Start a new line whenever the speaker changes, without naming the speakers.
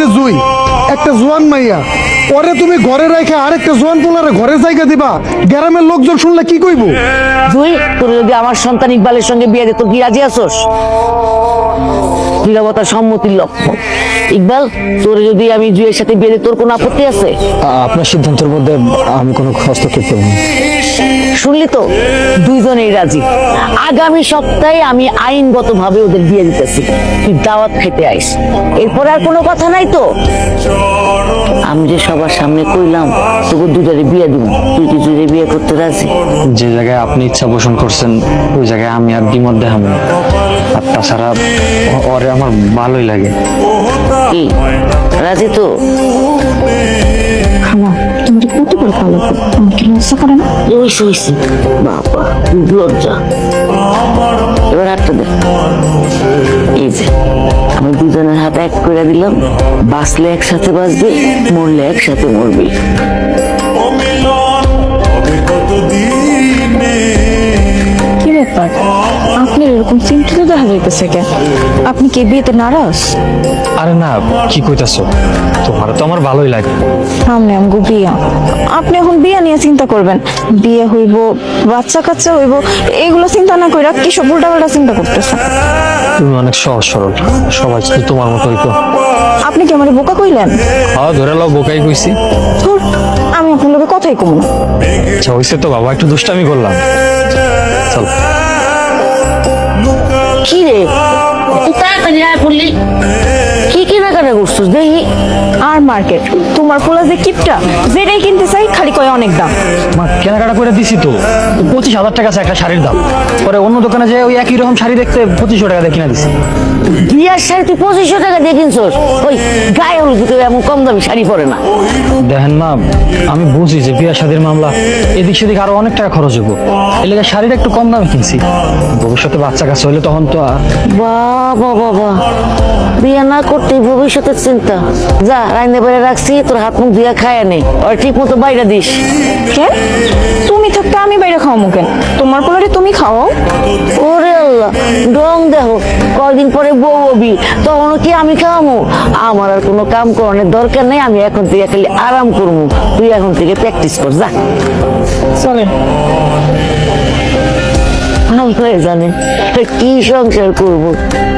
জুই একটা জোয়ান মাইয়া, পরে তুমি ঘরে রেখে আরেকটা জোয়ান পোলারে ঘরের জায়গা দিবা, গ্রামের লোকজন শুনলে কি কইব?
তুই তোর যদি আমার সন্তান ইকবালের সঙ্গে বিয়ে দিত কি রাজি আছোস? নীরবতা সম্মতির লক্ষণ। ইকবাল, তোর যদি আমি জুয়ের সাথে বিয়ে দিই তোর কোনো আপত্তি আছে?
আপনার সিদ্ধান্তের মধ্যে আমি কোনো হস্তক্ষেপ করব না।
শুনলি তো, দুইজনেই রাজি। আগামী সপ্তাহে আমি আইনগতভাবে ওদের বিয়ে দিতেছি। তুই দাওয়াত খেতে আইস, এরপরে আর কোনো কথা নাই তো? আমি যে সবার সামনে কইলাম তোকে দুটারে বিয়ে দিব, তুই কি জুড়ে বিয়ে করতে রাজি?
যে জায়গায় আপনি ইচ্ছা পোষণ করছেন ওই জায়গায় আমি আর দ্বিমত দেখাবো না। আর তাছাড়া ওরে আমার ভালোই লাগে।
কি রাজি তো?
খালা তুমি কত করে ভালো আমাকে লজ্জা করে না?
হইছে বাবা, লজ্জা। এবার হাতটা দে। এই যে আমি দুজনের হাত এক করে দিলাম, বাঁচলে একসাথে বাঁচবি, মরলে একসাথে মরবি।
কি ব্যাপার, আপনি এরকম চিন্তিত দেখা যাইতেছে কেন? আপনি কি বিয়েতে নারাজ?
আরে না, কি কইতাছো? তোমার তো আমার ভালোই লাগে।
সামনে আমগো বিয়া, আপনি এখন বিয়া নিয়ে চিন্তা করবেন? বিয়ে হইব, বাচ্চা কাচ্চা হইব, এগুলো চিন্তা না কইরা কি সব উল্টাপাল্টা চিন্তা করতেছেন?
তুমি অনেক সহজ সরল, সবাই শুধু তোমার মতোই তো।
আপনি কি আমার বোকা কইলেন?
হ্যাঁ, ধরে লাও বোকাই কইছি।
ধুর, আমি আপনার লোকে কথাই কম না।
আচ্ছা হইছে তো বাবা, একটু দুষ্টামি করলাম। চল।
কি রে, তুই তাড়াতাড়ি আয় পড়লি, কি কেনাকাটা করছিস দেখি?
আর মার্কেট, তোমার পোলা যে কিপটা, যেটাই কিনতে চাই খালি কয় অনেক দাম।
মা কেনাকাটা করে দিছি তো, 25,000 টাকা আছে একটা শাড়ির দাম। পরে অন্য দোকানে যে ওই একই রকম শাড়ি দেখতে 2500 টাকা দিয়ে কিনা দিছি।
বিয়ার শাড়ি তুই 2500 টাকা দিয়ে কিনছস? ওই গায়ে হলুদ কেউ এমন কম দামি শাড়ি পরে না।
দেখেন মা, আমি বুঝি যে বিয়া শাদীর মামলা এদিক সেদিক আরো অনেক টাকা খরচ হবো, এই লেগে শাড়িটা একটু কম দামে কিনছি। ভবিষ্যতে বাচ্চা কাছে হইলে তখন তো
বাবা বাবা, বিয়ে না করতেই ভবিষ্যতের চিন্তা। যা রাইন্দে বেড়ে রাখছি, তোর হাত মুখ দিয়া খায় নে, আর ঠিক মতো বাইরে দিস।
কেন তুমি থাকতে আমি বাইরে খাওয়ামো কেন? তোমার পোলারে তুমি খাও।
ওরে আল্লাহ, ডং দেখো, কয়দিন পরে বউ হবি, তখনও কি আমি খাওয়ামো? আমার আর কোনো কাম করানোর দরকার নেই, আমি এখন থেকে খালি আরাম করবো। তুই এখন থেকে প্র্যাকটিস কর, যা।
চলেন।
আল্লাহ জানে কি সংসার করবো।